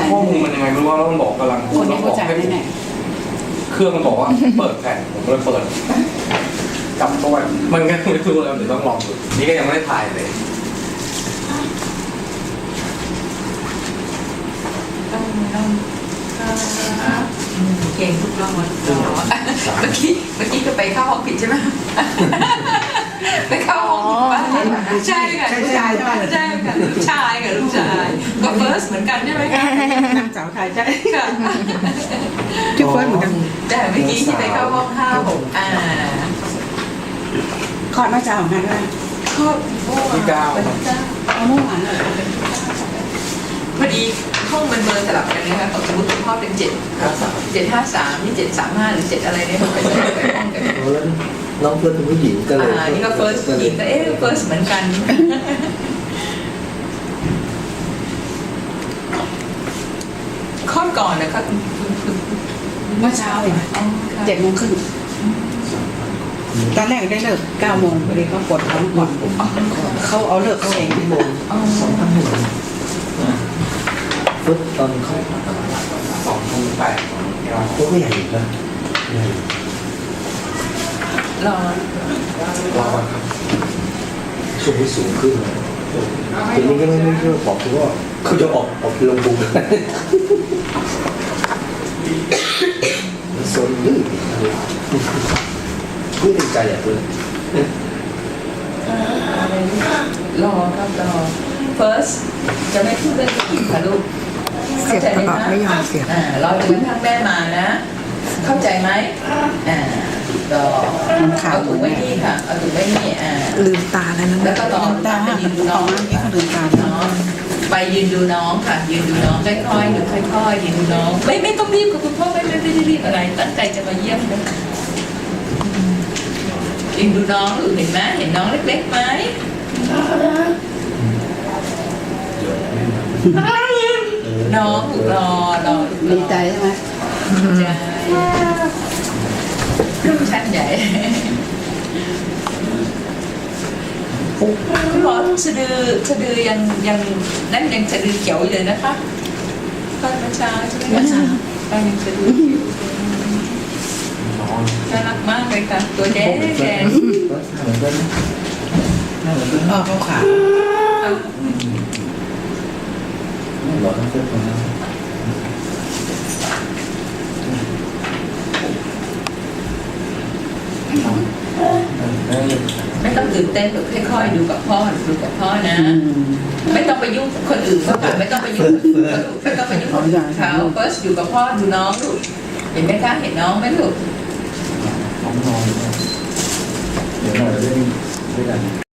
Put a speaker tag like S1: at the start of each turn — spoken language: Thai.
S1: ข้อมูลมันยังไงไม่รู้ว่าแล้วมันบอกกำลัง
S2: คนนี้เข้าใจแน่
S1: เครื่องมันบอกว่าเปิดแผ่นผมก็เลยเปิดจับตัวมันก็ไม่รู้แล้วเดี๋ยวต้องลองดูนี่ก็ยังไม่ได้ถ่ายเลย
S3: เก่งทุกรอบเมื่อกี้ก็ไปเข้าห้องผิดใช่ไหมไปเข้าห้องผิดป่ะใช่ค่ะลูกชายใช่ค่ะลูกชายกับลูกชายก็เฟิร์สเหมือนกันใช่ไหมคะ
S2: ๆนางสาวไทยใช่
S3: ค่ะ
S2: ชื่อเฟิร์สเหมือนกัน
S3: แต่เมื่อกี้ที่ไปเข้าห้อง5 6
S2: คลอดมาจากของกันด้วย
S3: ครอบครัว
S1: ที่9
S2: เอาเมื่อวานเลย
S3: พอดีห้องมันเบอร์สลับกันนะคะสมมติพ่อเป็น753นี่735หรือ7อะไรเนี่ยมันเป็นห้องกัน
S4: แล้วน้องเฟิร์สเป็นผู้หญิงก็เลย
S3: นี่ก็เฟิร์สหญิงก็เฟิร์สเหมือนกันคลอดก่อนนะคะคุณ
S2: เมื่อเช้าเอง7:30ตอนแรกได้เลิก9 โมงพอดีเขาปวดท้องก่อนเขาเอาเลิกเขาเอง
S4: 2 โมง2,000เฟิร์สตอนเขา
S1: 2,800
S4: ตัวก็ใหญ่อยู่นะใหญ่
S3: รอ
S4: ช่วงที่สูงขึ้นทีนี้ก็ไม่เชื่อบอกคือว่าเขาจะออกลงบุงโซนดื้อพูดในใจอ่ะเพื่อน
S3: รอครับรอ first จะไม่พูดเรื่องผู้หญิงค่ะลูกเข้าใจไหมคะรอจนกระทั่งแม่มานะ เข้าใจไหมเอาถุงไว้นี่ค่ะเอาถุงไว้นี่
S5: ลืมตาแล้วนะ
S3: แล้วก็รอ
S2: ตา
S3: ไป
S2: ห้า
S3: ยืนดู
S2: ต่
S3: น้
S2: อ
S3: อง
S2: มาที่เขาลืมตา
S3: น้องไปยืนดูน้องค่ะ ยืนดูน้องค่อยๆหรือค่อยๆยืนดูน้องไม่ต้องรีบกับคุณพ่อไม่ได้รีบอะไร ตั้งใจจะมาเยี่ยมนะยืนดูน้องเห็นไหมเห็นน้องเล็กๆไหมน้องรอ
S2: ดีใจใช่ไหม
S3: ใจรุ่นชั้นใหญ่คุณหมอทุกสะดือยังนั่นยังสะดือเขียวอยู่เลยนะคะตอนเมื่อเช้าใช่ไหมคะยังสะดือเขียวน่ารักมากเลยค่ะตัวแดงแดง
S4: เหมือนกันเหมือนกัน
S2: เขาขาว
S4: หล่อทั้งเฟิร์สคนนั้น
S3: ไม่ต้องตื่นเต้นแบบค่อยๆดูกับพ่อดูกับพ่อนะ ไม่ต้องไปยุ่งกับคนอื่นเขาค่ะไม่ต้องไปยุ่งไม่ต้องไปยุ่งกับเขา first อยู่กับพ่อดูน้องลูกเห็นไหมคะเห็นน้องไหมลูก
S4: น้องนอนเดี๋ยวหน่อยเล่นด้วยกัน